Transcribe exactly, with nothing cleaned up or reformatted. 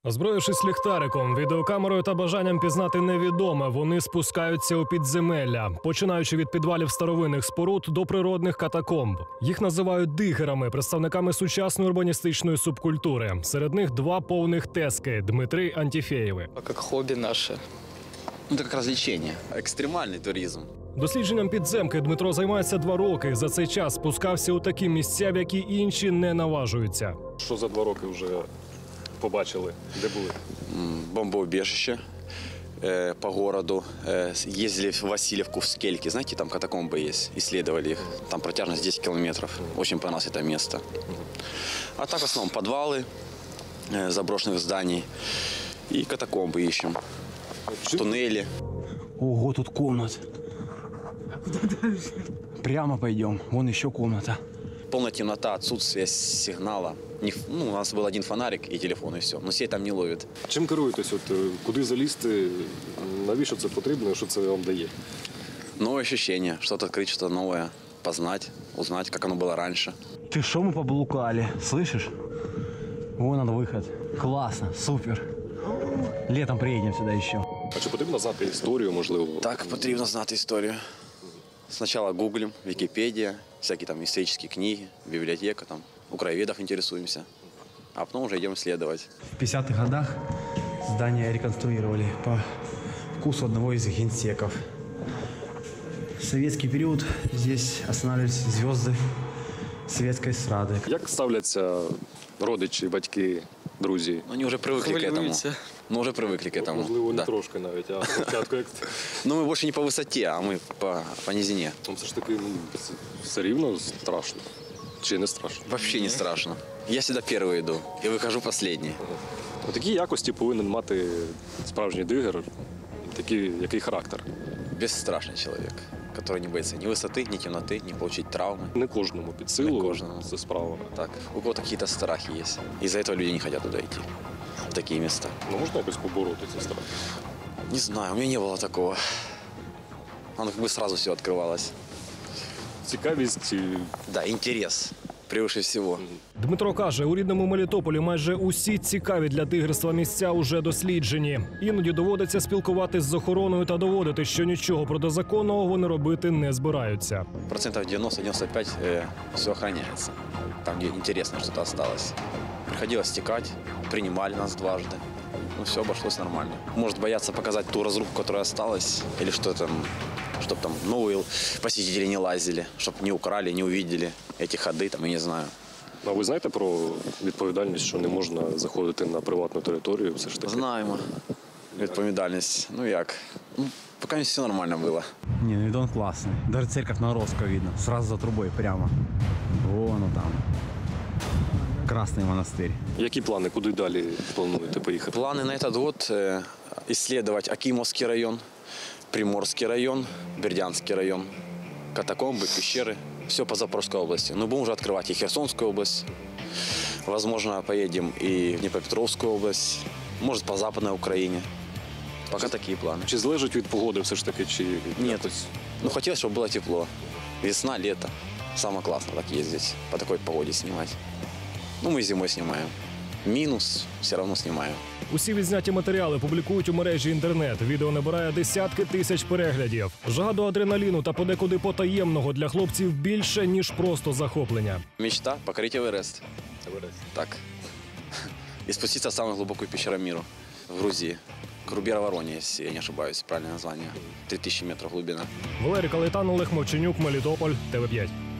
Озброївшись ліхтариком, відеокамерою та бажанням пізнати невідоме, вони спускаються у підземелля, починаючи від підвалів старовинних споруд до природних катакомб. Їх називають дигерами, представниками сучасної урбаністичної субкультури. Серед них два повних тески – Дмитри Антіфєєви. Як хобі наше. Ну, це як розвлечення, екстремальний туризм. Дослідженням підземки Дмитро займається два роки. За цей час спускався у такі місця, в які інші не наважуються. Що за два роки вже побачили? Де були? Бомбоубежище э, по городу. Э, ездили в Васильевку, в Скельки. Знаете, там катакомбы есть. Исследовали их. Там протяжность десять километров. Очень понравилось это место. А так в основном подвалы э, заброшенных зданий. И катакомбы ищем. Туннели. Ого, тут комнат. Прямо пойдем. Вон еще комната. Полная темнота, отсутствие сигнала. Ну, у нас был один фонарик и телефон, и все. Но сеть там не ловит. Чим керуєтесь? От, куди залізти? Навіщо це потрібно? Що це вам дає? Новое ощущение. Что-то открыть, что-то новое. Познать, узнать, как оно было раньше. Ты шо, мы поблукали, слышишь? Вон он выход. Классно, супер. Летом приедем сюда еще. А чи потрібно знати історію, можливо? Так, потрібно знати історію. Спочатку гуглим, Википедия, всякие там исторические книги, библиотека, там, у краеведов интересуемся. А потом уже идем исследовать. В пятидесятых годах здание реконструировали по вкусу одного из генсеков. В советский период здесь останавливались звезды советской эстрады. Як ставляться родичі, батьки, друзі? Ну, они уже привыкли к этому. Ну, уже привыкли к этому. Можливо, не Да. трошки навіть, а спочатку як... Ну, мы больше не по высоте, а мы по, по низине. Ну, все ж таки, ну, це все рівно страшно. Чи не страшно? Вообще не страшно. Я всегда первый иду и выхожу последний. Такі якості повинен мати справжній дигер, такий, який характер. Бесстрашный человек, который не боится ни высоты, ни темноты, не получить травмы. Не кожному під силу, Не кожному. це справа. Так, у кого-то какие-то страхи есть. Из-за этого люди не хотят туда идти, в такие места. Ну, можна якось побороти ці страхи? Не знаю, у меня не было такого. Оно как бы сразу все открывалось. Цікавість. і- Да, интерес превыше всего. Дмитро каже, у рідному Мелітополі майже усі цікаві для тигерства місця уже досліджені. Іноді доводиться спілкуватись з охороною та доводити, що нічого протизаконного вони робити не збираються. Процентов девяносто-девяносто пять э, все охраняется. Там, где интересно что-то осталось. Приходилось стекать, принимали нас дважды. Ну, все обошлось нормально. Может бояться показать ту разруху, которая осталась, или что там, чтобы там новые посетители не лазили, чтобы не украли, не увидели эти ходы, там, я не знаю. А ви знаєте про відповідальність, що не можна заходити на приватну територію? Все ж таки? Знаємо. Відповідальність. Ну як? Ну, поки все нормально було. Не, ну видон классный. Даже церковь Наровского видно. Сразу за трубой прямо. Вон он там. Красный монастырь. Які плани, куди далі плануєте поїхати? Планы на этот год э, исследовать Акимовский район, Приморский район, Бердянский район, катакомбы, пещеры. Все по Запорожской области. Но будем уже открывать и Херсонскую область. Возможно, поедем и в Днепропетровскую область. Может, по Западной Украине. Пока такие планы. Чи залежить від погоди все ж таки, чи Нет. якось? Ну, хотелось, чтобы было тепло. Весна, лето. Самое классное так ездить, по такой погоде снимать. Ну, мы зимой снимаем. Минус все равно снимаем. Усі відзняті матеріали публікують у мережі інтернет. Відео набирає десятки тисяч переглядів. Жага до адреналіну та подекуди потаємного для хлопців більше, ніж просто захоплення. Мечта – покорить Эверест. Так. И спуститься в самую глубокую пещеру мира в Грузии. Крубера-Ворония, если я не ошибаюсь, правильное название. три тысячи метров глубина. Валерій Калайтан, Олег Мовченюк, Мелітополь, Т В п'ять.